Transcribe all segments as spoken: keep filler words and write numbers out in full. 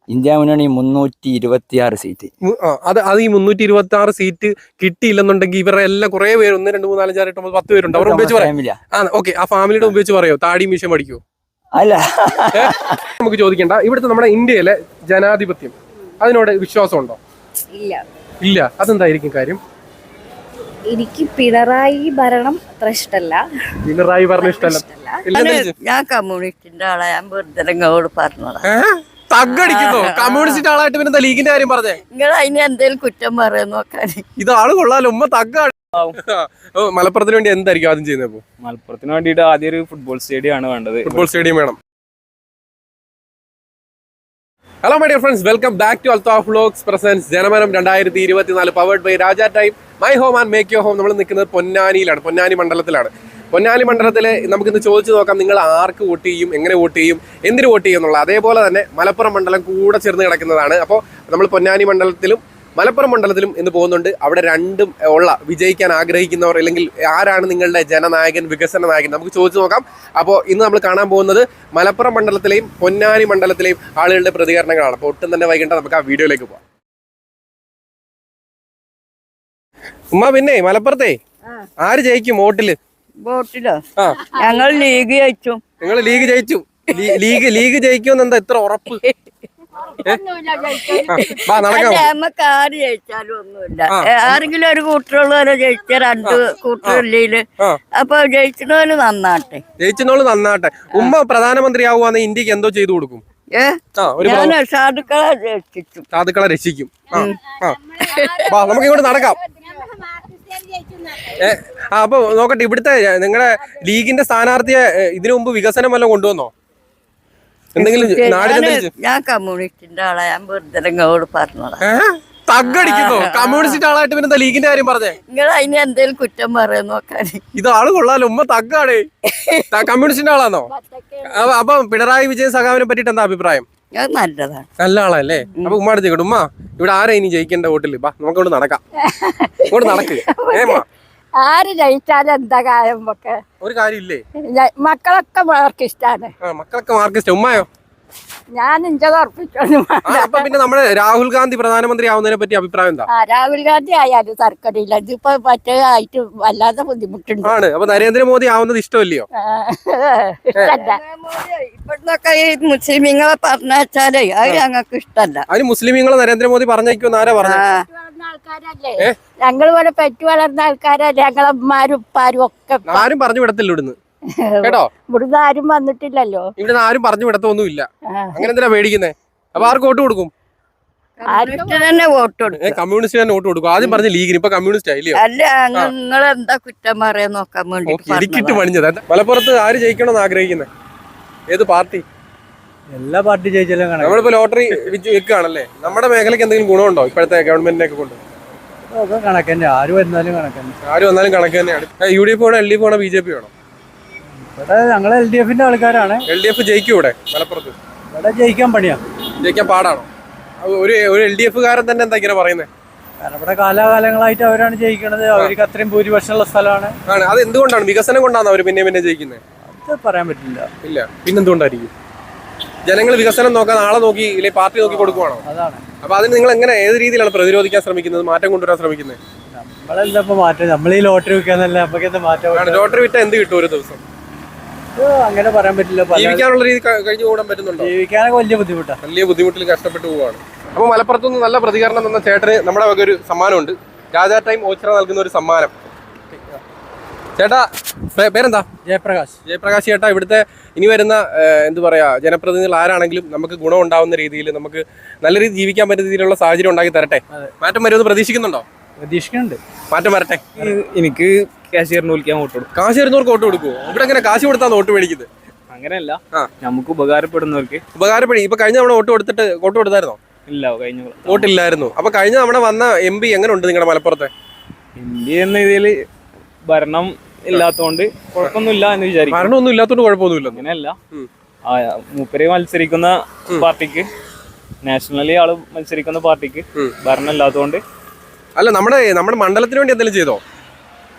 India മുന്നണി മുന്നൂറ്റി ഇരുപത്തി ആറ് സീറ്റ്. അത് അത് ഈ മുന്നൂറ്റി ഇരുപത്തി ആറ് സീറ്റ് കിട്ടിയില്ലെന്നുണ്ടെങ്കിൽ ഇവരുടെ എല്ലാം കുറെ പേര് ഒന്ന് രണ്ട് മൂന്ന് നാല് അഞ്ചാറ് എട്ട് ഒമ്പത് പത്ത് പേരുണ്ട്. അവർ ഉപയോഗിച്ച് പറയാം. ആ ഓക്കെ, ആ ഫാമിലിയുടെ ഉപയോഗിച്ച് പറയോ താടി മീശ പഠിക്കോ? അല്ല, നമുക്ക് ചോദിക്കണ്ട. ഇവിടുത്തെ നമ്മുടെ ഇന്ത്യയിലെ ജനാധിപത്യം അതിനോട് വിശ്വാസമുണ്ടോ? ഇല്ല. ഇല്ല. അതെന്തായിരിക്കും കാര്യം? എനിക്ക് പിണറായി ഭരണം അത്ര ഇഷ്ടമല്ല. പിണറായി ഭരണം ഇഷ്ടമല്ല. ഞാൻ കമ്മ്യൂണിസ്റ്റിന്റെ ആളാ. ഞാൻ വെറുതെ പറഞ്ഞോളാം. തగ్గടിക്കുന്നോ? കമ്മ്യൂണിസ്റ്റ് ആളായിട്ട് പിന്നെ ലീഗിന്റെ കാര്യം പറഞ്ഞേ? നിങ്ങൾ അതിന് എന്തേലും കുറ്റം പറയാൻ നോക്കാൻ. ഇത് ആള് കൊള്ളാലോ, ഉമ്മ തഗ്ഗാണ്. മലപ്പുറത്തിന് വേണ്ടി എന്തായിരിക്കും ആദ്യം ചെയ്യുന്നത്? മലപ്പുറത്തിന് വേണ്ടിയിട്ട് ആദ്യം ഒരു ഫുട്ബോൾ സ്റ്റേഡിയം ആണ് വേണ്ടത്. ഫുട്ബോൾ സ്റ്റേഡിയം വേണം. Hello my dear friends, welcome back to Althaf vlogs presence ജനമനം രണ്ടായിരത്തി ഇരുപത്തിനാല് powered by Raja time my home and make your home. നമ്മൾ നിൽക്കുന്നത് പൊന്നാനിയിലാണ്, പൊന്നാനി മണ്ഡലത്തിലാണ്. പൊന്നാനി മണ്ഡലത്തിൽ നമുക്കിന്ന് ചോദിച്ചു നോക്കാം, നിങ്ങൾ ആർക്ക് വോട്ട് ചെയ്യും, എങ്ങനെ വോട്ട് ചെയ്യും, എന്തിനു വോട്ട് ചെയ്യും എന്നുള്ള. അതേപോലെ തന്നെ മലപ്പുറം മണ്ഡലം കൂടെ ചേർന്ന് കിടക്കുന്നതാണ്. അപ്പോൾ നമ്മൾ പൊന്നാനി മണ്ഡലത്തിലും മലപ്പുറം മണ്ഡലത്തിലും ഇന്ന് പോകുന്നുണ്ട്. അവിടെ രണ്ടും ഉള്ള വിജയിക്കാൻ ആഗ്രഹിക്കുന്നവർ, അല്ലെങ്കിൽ ആരാണ് നിങ്ങളുടെ ജനനായകൻ, വികസന നായകൻ, നമുക്ക് ചോദിച്ചു നോക്കാം. അപ്പോൾ ഇന്ന് നമ്മൾ കാണാൻ പോകുന്നത് മലപ്പുറം മണ്ഡലത്തിലെയും പൊന്നാനി മണ്ഡലത്തിലെയും ആളുകളുടെ പ്രതികരണങ്ങളാണ്. അപ്പോൾ ഒട്ടും തന്നെ വൈകിട്ട് നമുക്ക് ആ വീഡിയോയിലേക്ക് പോകാം. ഉമ്മ, പിന്നെ മലപ്പുറത്തെ ആര് ജയിക്കും വോട്ടില്? വോട്ടിലോ? ഞങ്ങൾ ലീഗ് ജയിച്ചു. നിങ്ങൾ ലീഗ് ജയിച്ചു? ലീഗ് ലീഗ് ജയിക്കുമെന്ന് എന്താ ഇത്ര ഉറപ്പ്? നമുക്ക് ആര് ജയിച്ചാലും ഒന്നുമില്ല. ആരെങ്കിലും ഒരു കൂട്ടറുള്ളവരെ ജയിച്ച രണ്ട് കൂട്ടറില്ലേ, അപ്പൊ ജയിച്ചോല് നന്നാട്ടെ. ജയിച്ചോള് നന്നാട്ടെ. ഉമ്മ പ്രധാനമന്ത്രി ആവുകയാണെങ്കിൽ ഇന്ത്യക്ക് എന്തോ ചെയ്തു കൊടുക്കും? ഞാൻ സാധുക്കളെ രക്ഷിക്കും. സാധുക്കളെ രക്ഷിക്കും. നമുക്ക് ഇങ്ങോട്ട് നടക്കാം. ആ അപ്പൊ നോക്കട്ടെ, ഇവിടുത്തെ നിങ്ങളുടെ ലീഗിന്റെ സ്ഥാനാർത്ഥിയെ ഇതിനു മുമ്പ് വികസനം വല്ലതും കൊണ്ടുവന്നോ? എന്തെങ്കിലും ഞാൻ കമ്മ്യൂണിസ്റ്റിന്റെ ആളാ. ഞാൻ വെറുതെ പറഞ്ഞോളാം. തగ్గടിക്കുന്നോ? കമ്മ്യൂണിസ്റ്റ് ആളായിട്ട് പിന്നെ ലീഗിന്റെ കാര്യം പറഞ്ഞേ? നിങ്ങൾ അതിന് എന്തേലും കുറ്റം പറയാൻ നോക്കാൻ. ഇത് ആള് കൊള്ളാലോ, ഉമ്മ തഗ്ഗാണ്. കമ്മ്യൂണിസ്റ്റിന്റെ ആളാണോ? അപ്പൊ പിണറായി വിജയൻ സഖാവിനെ പറ്റിട്ട് എന്താ അഭിപ്രായം? നല്ലതാണ്. നല്ല ആളല്ലേ? അപ്പൊ ഉമ്മ അടുത്തേക്കട്ടെ. ഉമ്മ, ഇവിടെ ആരാ ഇനി ജയിക്കേണ്ട വോട്ടില്? ബാ നമുക്ക് ഇവിടെ നടക്കാം. ഇങ്ങോട്ട് നടക്ക്. ഏമാ ആര് ജയിച്ചാലും എന്താ കാര്യം? ഒരു കാര്യമില്ലേ? മക്കളൊക്കെ മാർക്ക് ഇഷ്ടാണ്. മക്കളൊക്കെ മാർക്ക് ഇഷ്ടം. ഉമ്മായോ? ഞാൻ ഇഞ്ചത് ഉറപ്പിച്ചു. അപ്പൊ പിന്നെ നമ്മുടെ രാഹുൽ ഗാന്ധി പ്രധാനമന്ത്രി ആവുന്നതിനെ പറ്റി അഭിപ്രായം എന്താ? രാഹുൽ ഗാന്ധി ആയാലും തർക്കടില്ല. ഇതിപ്പോ മറ്റേ ആയിട്ട് വല്ലാതെ ബുദ്ധിമുട്ടുണ്ട്. ആണ്. അപ്പൊ നരേന്ദ്രമോദി ആവുന്നത് ഇഷ്ടമല്ലയോ? ഇവിടുന്നൊക്കെ ഈ മുസ്ലിമീങ്ങളെ പറഞ്ഞാലേ അത് ഞങ്ങൾക്ക് ഇഷ്ടമല്ല. അതിന് മുസ്ലിമീങ്ങളെ നരേന്ദ്രമോദി പറഞ്ഞേക്കുമെന്ന് ആരാ പറഞ്ഞു? ആൾക്കാരല്ലേ ഞങ്ങൾ ഇവിടെ പെറ്റു വളർന്ന ആൾക്കാരല്ലേ. ഞങ്ങളെ ഉമ്മാരും ഉപ്പാരും ഒക്കെ ആരും പറഞ്ഞു വിടത്തില്ല ഇവിടുന്ന്, കേട്ടോ. ഇവിടുന്ന് ആരും വന്നിട്ടില്ലല്ലോ. ഇവിടുന്ന് ആരും പറഞ്ഞു വിടത്തൊന്നും ഇല്ല. അങ്ങനെ എന്തിനാ പേടിക്കുന്നേ? അപ്പൊ ആർക്ക് വോട്ട് കൊടുക്കും? തന്നെ വോട്ട് കൊടുക്കും. കമ്മ്യൂണിസ്റ്റ് തന്നെ വോട്ട് കൊടുക്കും. ആദ്യം പറഞ്ഞ ലീഗിന്, ഇപ്പൊ കമ്മ്യൂണിസ്റ്റ് ആയില്ലയോ? അല്ല, നിങ്ങൾ എന്താ കുറ്റം പറയാൻ നോക്കാൻ വേണ്ടി ഇടിക്കിട്ട് പണിഞ്ഞത്. മലപ്പുറത്ത് ആര് ജയിക്കണമെന്ന് ആഗ്രഹിക്കുന്നത്? ഏത് പാർട്ടി? എല്ലാ പാർട്ടി ജയിച്ചാലും നമ്മളിപ്പോ ലോട്ടറി വെക്കുകയാണല്ലേ. നമ്മുടെ മേഖലയ്ക്ക് എന്തെങ്കിലും ഗുണമുണ്ടോ ഇപ്പോഴത്തെ ഗവൺമെന്റിനൊക്കെ കൊണ്ട്? കണക്ക് തന്നെ. ആര് വന്നാലും കണക്ക് തന്നെ. ആര് വന്നാലും കണക്ക് തന്നെയാണ്. യു ഡി എഫ് വേണോ, എൽ ഡി എഫ് വേണോ, ബി ജെ പി വേണോ? ഇവിടെ ഞങ്ങൾ എൽ ഡി എഫിന്റെ ആൾക്കാരാണ്. എൽ ഡി എഫ് ജയിക്കും ഇവിടെ മലപ്പുറത്ത്? ഇവിടെ ജയിക്കാൻ പണിയാ. ജയിക്കാൻ പാടാണോ? ഒരു ഒരു എൽ ഡി എഫ് കാരൻ തന്നെ എന്താ ഇങ്ങനെ പറയുന്നത്? കാരണം ഇവിടെ കാലാകാലങ്ങളായിട്ട് അവരാണ് ജയിക്കണത്. അവർക്ക് അത്രയും ഭൂരിപക്ഷമുള്ള സ്ഥലമാണ്. ആണ്. അത് എന്തുകൊണ്ടാണ്? വികസനം കൊണ്ടാണ് അവർ പിന്നെ പിന്നെ ജയിക്കുന്നത്? അത് പറയാൻ പറ്റില്ല. ഇല്ല, പിന്നെന്തുകൊണ്ടായിരിക്കും? ജനങ്ങൾ വികസനം നോക്കാൻ ആളെ നോക്കി ഇല്ലെ പാർട്ടി നോക്കി കൊടുക്കുവാണോ? അതാണ്. അപ്പൊ അതിന് നിങ്ങൾ എങ്ങനെ, ഏത് രീതിയിലാണ് പ്രതിരോധിക്കാൻ ശ്രമിക്കുന്നത്, മാറ്റം കൊണ്ടുവരാൻ ശ്രമിക്കുന്നത്? നമ്മളെന്താ ഇപ്പൊ മാറ്റം? നമ്മൾ ഈ ലോട്ടറി വിൽക്കാന്നല്ല, നമുക്ക് എന്താ മാറ്റം? ലോട്ടറി വിറ്റാ എന്ത് കിട്ടും ഒരു ദിവസം? അങ്ങനെ പറയാൻ പറ്റില്ല. ജീവിക്കാനുള്ള രീതി കഴിഞ്ഞു കൂടാൻ പറ്റുന്നുണ്ടോ? ജീവിക്കാനൊക്കെ വലിയ ബുദ്ധിമുട്ടാണ്. വലിയ ബുദ്ധിമുട്ടിൽ കഷ്ടപ്പെട്ടു പോവാണ്. അപ്പൊ മലപ്പുറത്തുനിന്ന് നല്ല പ്രതികരണം തന്ന ചേട്ടന് നമ്മുടെ വക ഒരു സമ്മാനമുണ്ട്. രാജാ ടൈം ഓച്ചിറ നൽകുന്ന ഒരു സമ്മാനം. ചേട്ടാ പേരെന്താ? ജയപ്രകാശ്. ജയപ്രകാശ് ചേട്ടാ, ഇവിടുത്തെ ഇനി വരുന്ന എന്ത് പറയാ ജനപ്രതിനിധികൾ ആരാണെങ്കിലും നമുക്ക് ഗുണം ഉണ്ടാവുന്ന രീതിയിൽ, നമുക്ക് നല്ല രീതിയിൽ ജീവിക്കാൻ പറ്റുന്ന രീതിയിലുള്ള സാഹചര്യം ഉണ്ടാക്കി തരട്ടെ. മാറ്റം വരുമെന്ന് പ്രതീക്ഷിക്കുന്നുണ്ടോ? പ്രതീക്ഷിക്കുന്നുണ്ട്. മാറ്റം വരട്ടെ. എനിക്ക് കാശിയറിന് വിളിക്കാൻ വോട്ട് കൊടുക്കും. കാശ് വരുന്നവർക്ക് വോട്ട് കൊടുക്കുമോ? ഇവിടെ എങ്ങനെ കാശ് കൊടുത്താൽ വോട്ട് മേടിക്കുന്നത്? അങ്ങനെയല്ല, നമുക്ക് ഉപകാരപ്പെടുന്നവർക്ക് ഉപകാരപ്പെടും. ഇപ്പൊ കഴിഞ്ഞ തവണ വോട്ട് കൊടുത്തിട്ട് വോട്ട് കൊടുത്തായിരുന്നോ? ഇല്ല, കഴിഞ്ഞ വോട്ടില്ലായിരുന്നു. അപ്പൊ കഴിഞ്ഞ തവണ വന്ന എം പി എങ്ങനെ ഉണ്ട് നിങ്ങളുടെ മലപ്പുറത്തെ? എം പി എന്ന ഇതിൽ ഭരണം ഇല്ലാത്തോണ്ട് കുഴപ്പമൊന്നുമില്ല എന്ന് വിചാരിക്കും. ഭരണമൊന്നും ഇല്ലാത്തോണ്ട് കുഴപ്പമൊന്നുമില്ല. അങ്ങനെയല്ല, മൂപ്പര് മത്സരിക്കുന്ന പാർട്ടിക്ക്, നാഷണലി ആള് മത്സരിക്കുന്ന പാർട്ടിക്ക് ഭരണം ഇല്ലാത്തതുകൊണ്ട്. അല്ല, നമ്മുടെ നമ്മുടെ മണ്ഡലത്തിന് വേണ്ടി എന്തെങ്കിലും ചെയ്തോ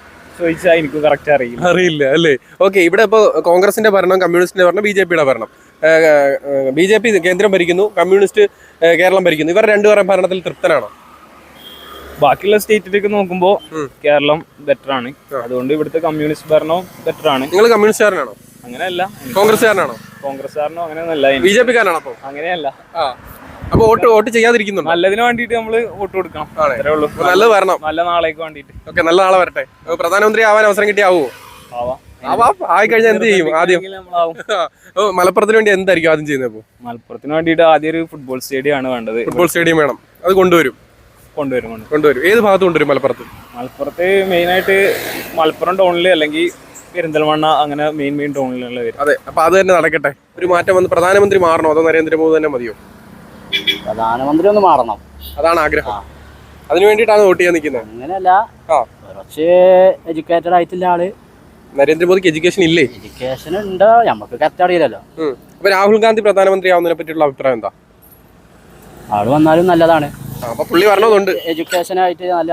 ചോദിച്ചാൽ എനിക്ക് കറക്റ്റ് അറിയില്ല. അറിയില്ല അല്ലേ? ഓക്കെ. ഇവിടെ ഇപ്പൊ കോൺഗ്രസിന്റെ ഭരണം, കമ്മ്യൂണിസ്റ്റിന്റെ ഭരണം, ബി ജെ പിയുടെ ഭരണം. ബി ജെ പി കേന്ദ്രം ഭരിക്കുന്നു, കമ്മ്യൂണിസ്റ്റ് കേരളം ഭരിക്കുന്നു. ഇവർ രണ്ടുപേരും ഭരണത്തിൽ തൃപ്തനാണോ? ബാക്കിയുള്ള സ്റ്റേറ്റിലേക്ക് നോക്കുമ്പോൾ കേരളം ബെറ്റർ ആണ്. അതുകൊണ്ട് ഇവിടുത്തെ കമ്മ്യൂണിസ്റ്റ് ഭരണവും ബെറ്റർ ആണ്. നിങ്ങൾ കമ്മ്യൂണിസ്റ്റുകാരനാണോ? അങ്ങനെയല്ല. കോൺഗ്രസ്സുകാരനാണോ? കോൺഗ്രസ്സുകാരനോ അങ്ങനെയൊന്നല്ല. ബി ജെ പിക്കാരനാണോ? അപ്പൊ അങ്ങനെയല്ല. അപ്പൊ വോട്ട് വോട്ട് ചെയ്യാതിരിക്കുന്നുണ്ടോ? നല്ലതിന് വേണ്ടിട്ട് നമ്മള് വോട്ട് കൊടുക്കണം. അത്രേ ഉള്ളൂ. നല്ലത് വരണം, നല്ല നാളേക്ക് വേണ്ടിട്ട്. ഓക്കെ, നല്ല നാളെ വരട്ടെ. പ്രധാനമന്ത്രി ആവാൻ അവസരം കിട്ടിയാവോ? ആയി കഴിഞ്ഞാൽ എന്ത് ചെയ്യും ആദ്യം? മലപ്പുറത്തിന് വേണ്ടി എന്തായിരിക്കും ആദ്യം ചെയ്യുന്നത്? മലപ്പുറത്തിന് വേണ്ടിട്ട് ആദ്യം ഒരു ഫുട്ബോൾ സ്റ്റേഡിയം ആണ് വേണ്ടത്. ഫുട്ബോൾ സ്റ്റേഡിയം വേണം. അത് കൊണ്ടുവരും കൊണ്ടുവരും കൊണ്ടുവരും ഏത് ഭാഗത്ത് കൊണ്ടുവരും? മലപ്പുറത്ത് മലപ്പുറത്ത് മെയിൻ ആയിട്ട് മലപ്പുറം ടൗണില് അല്ലെങ്കിൽ പെരിന്തൽമണ്ണ, അങ്ങനെ മെയിൻ മെയിൻ ടൗണിലുള്ള വരും. അതെ, അപ്പൊ അത് തന്നെ നടക്കട്ടെ. ഒരു മാറ്റം വന്ന് പ്രധാനമന്ത്രി മാറണോ അതോ നരേന്ദ്രമോദി തന്നെ മതിയോ? പ്രധാനമന്ത്രി ഒന്ന് മാറണം, അതാണ് ആഗ്രഹം. അതിനു വേണ്ടിയിട്ടാണ് വോട്ട് ചെയ്യാൻ നിൽക്കുന്നത്. അങ്ങനെയല്ല, കുറച്ച് എഡ്യൂക്കേറ്റഡ് ആയിട്ടില്ല ആള്. നരേന്ദ്രമോദിക്ക് എഡ്യൂക്കേഷൻ ഇല്ലേ? എഡ്യൂക്കേഷൻ ഉണ്ട്, നമുക്ക് കറക്റ്റ് അറിയില്ലല്ലോ. അപ്പൊ രാഹുൽ ഗാന്ധി പ്രധാനമന്ത്രി ആവുന്നതിനെ പറ്റിയുള്ള അഭിപ്രായം എന്താ? ആള് വന്നാലും നല്ലതാണ്. അപ്പൊ പുള്ളി വരണമെന്നുണ്ട്. എഡ്യൂക്കേഷൻ ആയിട്ട് നല്ല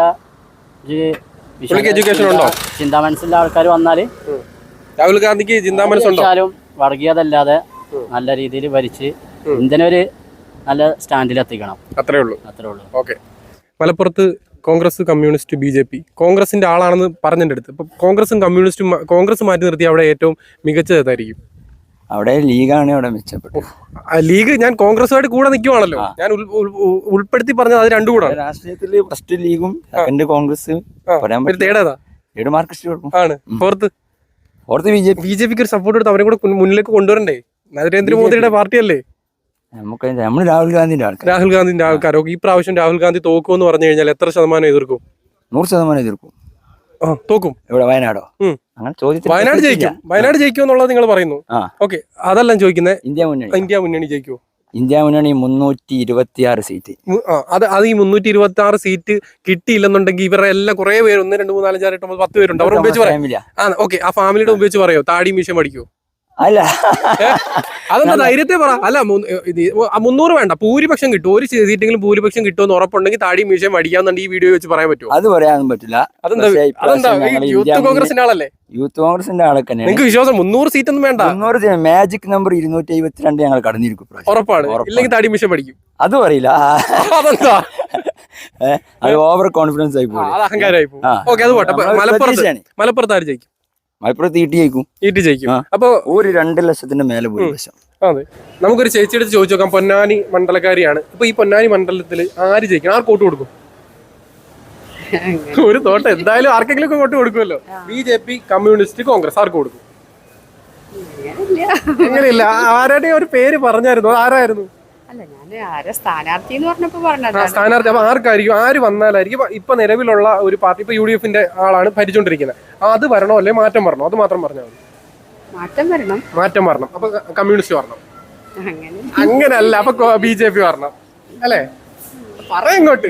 എഡ്യൂക്കേഷൻ ഉണ്ടോ? ചിന്താ മനസ്സുള്ള ആൾക്കാർ വന്നാല് രാഹുൽ ഗാന്ധിക്ക് ചിന്താ മനസ്സുണ്ടോ? വർഗീയതല്ലാതെ നല്ല രീതിയിൽ ഭരിച്ച് ഇന്ത്യനൊരു നല്ല സ്റ്റാൻഡിൽ എത്തിക്കണം. അത്രേ ഉള്ളൂ. അത്രേ ഉള്ളൂ. ഓക്കെ. മലപ്പുറത്ത് Congress, communist, B J P. കോൺഗ്രസിന്റെ ആളാണെന്ന് പറഞ്ഞതിന്റെ അടുത്ത് ഇപ്പൊ കോൺഗ്രസും കമ്മ്യൂണിസ്റ്റും കോൺഗ്രസ് മാറ്റി നിർത്തി അവിടെ ഏറ്റവും മികച്ചത് ഏതായിരിക്കും? അവിടെ ലീഗാണ് അവിടെ മെച്ചപ്പെട്ടത്. ലീഗ് ഞാൻ കോൺഗ്രസുമായിട്ട് കൂടെ നിൽക്കുവാണല്ലോ, ഞാൻ ഉൾപ്പെടുത്തി പറഞ്ഞത് അത് രണ്ടും കൂടെ. രാഷ്ട്രീയത്തില് ഫസ്റ്റ് ലീഗും സെക്കൻഡ് കോൺഗ്രസ്, തേടേതാ മാർക്സിസ്റ്റ് ആണ്. Fourth fourth B J P. B J പിക്ക് ഒരു സപ്പോർട്ട് എടുത്ത് അവരെ കൂടെ മുന്നിലേക്ക് കൊണ്ടുവരണ്ടേ? നരേന്ദ്രമോദിയുടെ പാർട്ടിയല്ലേ? നമുക്ക് നമ്മൾ രാഹുൽ ഗാന്ധിന്റെ ആൾക്കാർ രാഹുൽ ഗാന്ധിന്റെ ആൾക്കാരോ? ഈ പ്രാവശ്യം രാഹുൽ ഗാന്ധി തോക്കുമെന്ന് പറഞ്ഞു കഴിഞ്ഞാൽ എത്ര ശതമാനം എതിർക്കും? നൂറ് ശതമാനം എതിർക്കും. തോക്കും. ഇവിടെ വയനാടോ? അങ്ങനെ ചോദിച്ചു. വയനാട് ജയിക്കും. വയനാട് ജയിക്കും എന്നുള്ളത് നിങ്ങൾ പറയുന്നു. ഓക്കെ, അതല്ല ചോദിക്കുന്നത്. ഇന്ത്യ മുന്നണി ഇന്ത്യ മുന്നണി ജയിക്കുമോ? ഇന്ത്യ മുന്നണി മുന്നൂറ്റി ഇരുപത്തി ആറ് സീറ്റ്. അത് അത് ഈ മുന്നൂറ്റി ഇരുപത്തി ആറ് സീറ്റ് കിട്ടിയില്ലെന്നുണ്ടെങ്കിൽ ഇവരുടെ എല്ലാം കുറെ പേര്, ഒന്ന് രണ്ട് മൂന്ന് നാലഞ്ചാറ് എട്ട് പത്ത് പേരുണ്ട്. അവർ ഉപയോഗിച്ച് പറയാം. ഓക്കെ, ആ ഫാമിലിയുടെ ഉപയോഗിച്ച് പറയോ താടി മീശം പഠിക്കുമോ? അല്ല, അതെന്താ ധൈര്യത്തെ പറ. അല്ല, മുന്നൂറ് വേണ്ട, ഭൂരിപക്ഷം കിട്ടും. ഒരു സീറ്റെങ്കിലും ഭൂരിപക്ഷം കിട്ടുമെന്ന് ഉറപ്പുണ്ടെങ്കിൽ താടി മീശം അടിക്കാന്നുണ്ടെങ്കിൽ ഈ വീഡിയോ വെച്ച് പറയാൻ പറ്റുമോ? അത് പറയാനൊന്നും പറ്റില്ല. അതെന്താ? അതെന്താ? യൂത്ത് കോൺഗ്രസിന്റെ ആളല്ലേ? യൂത്ത് കോൺഗ്രസിന്റെ ആളൊക്കെ നിങ്ങൾക്ക് വിശ്വാസം? മുന്നൂറ് സീറ്റ് ഒന്നും വേണ്ട. മുന്നൂറ് മാജിക് നമ്പർ ഇരുന്നൂറ്റി എഴുപത്തിരണ്ട് ഞങ്ങൾ കടന്നിരിക്കും. ഉറപ്പാണ്? ഇല്ലെങ്കിൽ താടി മീശം പഠിക്കും. അതും അറിയില്ല. അതെന്താ? അത് ഓവർ കോൺഫിഡൻസ് ആയി പോകും, അഹങ്കാരമായി പോകും. ഓക്കെ, അത് പോട്ടെ. മലപ്പുറത്ത് മലപ്പുറത്ത് ആര് ജയിക്കും? മലപ്പുറത്ത് ഈട്ടി ജയിക്കും. ഈട്ടി ജയിക്കും. അപ്പൊ ഒരു രണ്ട് ലക്ഷത്തിന്റെ മേലെ ഭൂരിപക്ഷം. അതെ, നമുക്കൊരു ചേച്ചിയെടുത്ത് ചോദിച്ചു നോക്കാം. പൊന്നാനി മണ്ഡലക്കാരിയാണ്. ഇപ്പൊ ഈ പൊന്നാനി മണ്ഡലത്തിൽ ആര് ജയിക്കണം? ആർക്ക് വോട്ട് കൊടുക്കും? ഒരു തോട്ടം എന്തായാലും ആർക്കെങ്കിലും ഒക്കെ വോട്ട് കൊടുക്കുമല്ലോ. B J P, communist, Congress, ആർക്ക് കൊടുക്കും? എങ്ങനെയില്ല, ആരുടെ ഒരു പേര് പറഞ്ഞായിരുന്നു, ആരായിരുന്നു? സ്ഥാനാർത്ഥി സ്ഥാനാർത്ഥി. അപ്പൊ ആർക്കായിരിക്കും? ആര് വന്നാലായിരിക്കും? ഇപ്പൊ നിലവിലുള്ള ഒരു പാർട്ടി, ഇപ്പൊ യു ഡി എഫിന്റെ ആളാണ് ഭരിച്ചോണ്ടിരിക്കുന്നത്. അത് വരണോ അല്ലെ മാറ്റം വരണോ? അത് മാത്രം പറഞ്ഞാൽ മതി. മാറ്റം വരണം. മാറ്റം വരണം. അപ്പൊ കമ്മ്യൂണിസ്റ്റ് വരണം. അങ്ങനല്ല, അപ്പൊ ബി ജെ പി വരണം അല്ലേ? പറയങ്ങോട്ട്.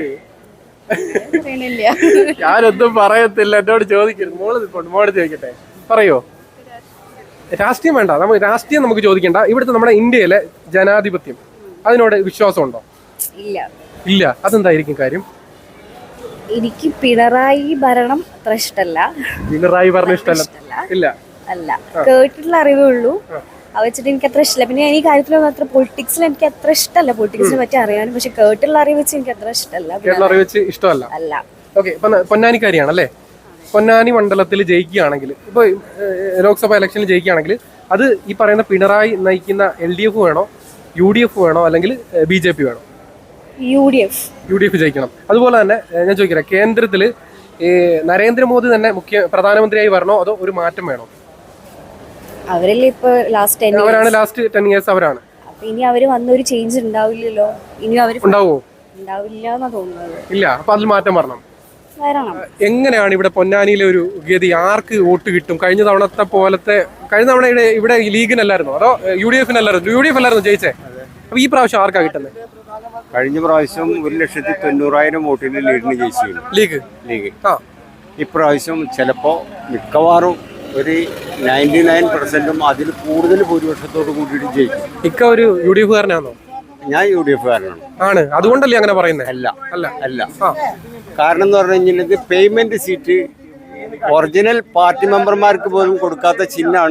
ഞാനൊന്നും പറയത്തില്ല, എന്നോട് ചോദിക്കരുത്. മോള് നിൽപ്പുണ്ട്, മോള് ചോദിക്കട്ടെ. പറയോ? രാഷ്ട്രീയം വേണ്ട, നമുക്ക് രാഷ്ട്രീയം നമുക്ക് ചോദിക്കണ്ട. ഇവിടുത്തെ നമ്മുടെ ഇന്ത്യയിലെ ജനാധിപത്യം, അതിനോട് വിശ്വാസമുണ്ടോ? ഇല്ല. ഇല്ല. അതെന്തായിരിക്കും കാര്യം? എനിക്ക് പിണറായി ഭരണം അത്ര ഇഷ്ടമല്ല. പിണറായി ഭരണം ഇഷ്ടമല്ല? ഇല്ല, അല്ല, കേട്ടിട്ടുള്ള അറിവേ ഉള്ളൂ. അത് വെച്ചിട്ട് എനിക്ക് അത്ര ഇഷ്ടമല്ല. പിന്നെ ഈ കാര്യത്തിലൊന്നും അത്ര പൊളിറ്റിക്സിൽ എനിക്ക് അത്ര ഇഷ്ടമല്ല. പൊളിറ്റിക്സിനെ പറ്റി അറിയാനും, പക്ഷെ കേട്ടുള്ള അറിവ് വെച്ച് എനിക്ക് അത്ര ഇഷ്ടമല്ല. കേട്ടുള്ള അറിവ് വെച്ച് ഇഷ്ടമല്ല അല്ല. ഓക്കെ, ഇപ്പൊ പൊന്നാനിക്കാരിയാണല്ലേ? പൊന്നാനി മണ്ഡലത്തിൽ ജയിക്കുകയാണെങ്കിൽ, ഇപ്പൊ ലോക്സഭ ഇലക്ഷനിൽ ജയിക്കുകയാണെങ്കിൽ, അത് ഈ പറയുന്ന പിണറായി നയിക്കുന്ന എൽ ഡി എഫ് വേണോ, യു ഡി എഫ് വേണോ, അല്ലെങ്കിൽ ബി ജെ പി വേണോ? U D F. U D F ജയിക്കണം. അതുപോലെ തന്നെ ഞാൻ ചോദിക്കട്ടെ, കേന്ദ്രത്തില് ഈ നരേന്ദ്രമോദി തന്നെ മുഖ്യ പ്രധാനമന്ത്രിയായി വരണോ അതോ ഒരു മാറ്റം വേണോ? അവരല്ലേ ഇപ്പൊ ലാസ്റ്റ് ടെൻ അവരാണ് ലാസ്റ്റ് ടെൻ ഇയേഴ്സ് അവരാണ്. അപ്പൊ ഇനി അവര് വന്ന ഒരു ചേഞ്ച് ഉണ്ടാവില്ലല്ലോ. ഇനി അവര് ഉണ്ടാവോ? ഉണ്ടാവില്ല എന്നാ തോന്നുന്നത്. ഇല്ല. അപ്പൊ അതിൽ മാറ്റം വരണം. വരണം. എങ്ങനെയാണ് ഇവിടെ പൊന്നാനിയിലെ ഒരു ഗതി? ആർക്ക് വോട്ട് കിട്ടും? കഴിഞ്ഞ തവണത്തെ പോലത്തെ, കഴിഞ്ഞ തവണ ഇവിടെ ഇവിടെ ലീഗിനല്ലായിരുന്നു അതോ യു ഡി എഫിനല്ലായിരുന്നു? യു ഡി എഫ് അല്ലായിരുന്നു ജയിച്ചേ. അപ്പൊ ഈ പ്രാവശ്യം ആർക്കാ കിട്ടുന്നത്? കഴിഞ്ഞ പ്രാവശ്യം ഒരു ലക്ഷത്തി തൊണ്ണൂറായിരം വോട്ടിന് ലീഡിന് ജയിച്ചു ലീഗ് ലീഗ് ആ ഇപ്രാവശ്യം ചിലപ്പോ മിക്കവാറും ഒരു നയൻറ്റി നയൻ പെർസെന്റും അതിൽ കൂടുതൽ ഭൂരിപക്ഷത്തോട് കൂടിയിട്ട് ജയിക്കും. ഇക്ക ഒരു യു ഡി എഫ് കാരനാണോ? ഞാൻ യു ഡി എഫ് കാരനാണ്. ആണ്, അതുകൊണ്ടല്ലേ അങ്ങനെ പറയുന്നത്? അല്ല അല്ല അല്ല കാരണം എന്ന് പറഞ്ഞു കഴിഞ്ഞാൽ ഇത് പേയ്മെന്റ് സീറ്റ് ഒറിജിനൽ പാർട്ടി മെമ്പർമാർക്ക് പോലും കൊടുക്കാത്ത ചിഹ്നമാണ്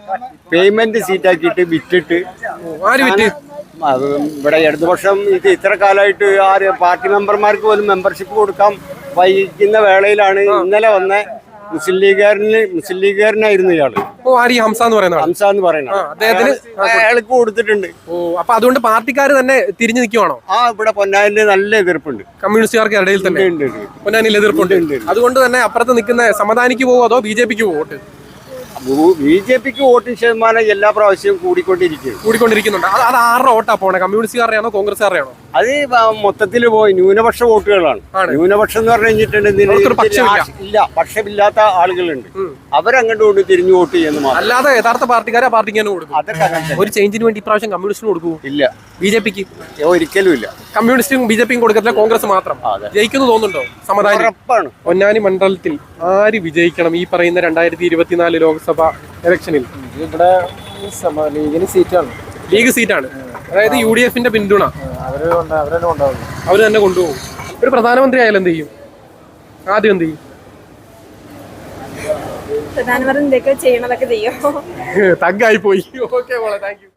പേയ്മെന്റ് സീറ്റാക്കിയിട്ട് വിറ്റിട്ട് ആര് വിറ്റ് അത് ഇവിടെ ഇടതുപക്ഷം ഇത് ഇത്ര കാലമായിട്ട് ആര് പാർട്ടി മെമ്പർമാർക്ക് പോലും മെമ്പർഷിപ്പ് കൊടുക്കാൻ വൈകുന്ന വേളയിലാണ് ഇന്നലെ വന്ന മുസ്ലിം ലീഗുകാരന് മുസ്ലിം ലീഗുകാരനായിരുന്നു ഇയാള്. ഓ ആര് ഈ ഹംസ എന്ന് പറയുന്ന ആള്? ഹംസ എന്ന് പറയുന്നത് അദ്ദേഹത്തിന് അയാൾക്ക് കൊടുത്തിട്ടുണ്ട്. ഓ അപ്പൊ അതുകൊണ്ട് പാർട്ടിക്കാർ തന്നെ തിരിഞ്ഞു നിൽക്കുവാണോ? ആ ഇവിടെ പൊന്നാനില് നല്ല എതിർപ്പുണ്ട്, കമ്മ്യൂണിസ്റ്റുകാർക്ക് ഇടയിൽ തന്നെ ഉണ്ട്, ഉണ്ട്. പൊന്നാനിയിൽ എതിർപ്പുണ്ട്. അതുകൊണ്ട് തന്നെ അപ്പുറത്ത് നിൽക്കുന്ന സമദാനിക്ക് പോവോ അതോ ബി ജെ പിക്ക് പോവോ വോട്ട്? ബി ജെ പിക്ക് വോട്ടിംഗ് ശതമാനം എല്ലാ പ്രാവശ്യവും കൂടിക്കൊണ്ടിരിക്കും കൂടിക്കൊണ്ടിരിക്കുന്നുണ്ട്. അത് അത് ആരുടെ വോട്ടാ പോണേ? കമ്മ്യൂണിസ്റ്റുകാരെയാണോ കോൺഗ്രസ്സുകാരെയാണോ? അത് മൊത്തത്തിൽ പോയി ന്യൂനപക്ഷ വോട്ടുകളാണ്. ന്യൂനപക്ഷം എന്ന് പറഞ്ഞു കഴിഞ്ഞിട്ടുണ്ടെങ്കിൽ ഇല്ല പക്ഷമില്ലാത്ത ആളുകളുണ്ട്, അവരങ്ങോട്ട് കൊണ്ട് തിരിഞ്ഞു വോട്ട് ചെയ്യുന്നു മാത്രം. അല്ലാതെ യഥാർത്ഥ പാർട്ടിക്കാരെ പാർട്ടിക്ക് തന്നെ കൊടുക്കും. അതൊക്കെ ഒരു ചേഞ്ചിന് വേണ്ടി ഇപ്രാവശ്യം കമ്മ്യൂണിസ്റ്റിന് കൊടുക്കൂ? ഇല്ല. ബി ജെ പിക്ക് ഒരിക്കലും ഇല്ല. കമ്മ്യൂണിസ്റ്റും ബി ജെ പിയും കൊടുക്കത്തില്ല, കോൺഗ്രസ് മാത്രം ജയിക്കുന്നു തോന്നുന്നുണ്ടോ? സമാധാനം. ഉറപ്പാണ്. പൊന്നാനി മണ്ഡലത്തിൽ ആര് വിജയിക്കണം ഈ പറയുന്ന രണ്ടായിരത്തി ഇരുപത്തിനാല് ലോക്സഭ ഇലക്ഷനിൽ? ഇവിടെ ലീഗിന് സീറ്റാണ്, ലീഗ് സീറ്റാണ്. അതായത് യു ഡി എഫിന്റെ പിന്തുണ അവര് തന്നെ കൊണ്ടുപോകും. ഒരു പ്രധാനമന്ത്രി ആയാലും എന്ത് ചെയ്യും? ആദ്യം എന്ത് ചെയ്യും? പ്രധാനമന്ത്രി എന്തൊക്കെ ചെയ്യണതൊക്കെ ചെയ്യും. തഗ്ഗായി പോയി. ഓക്കെ മോളെ, താങ്ക് യു.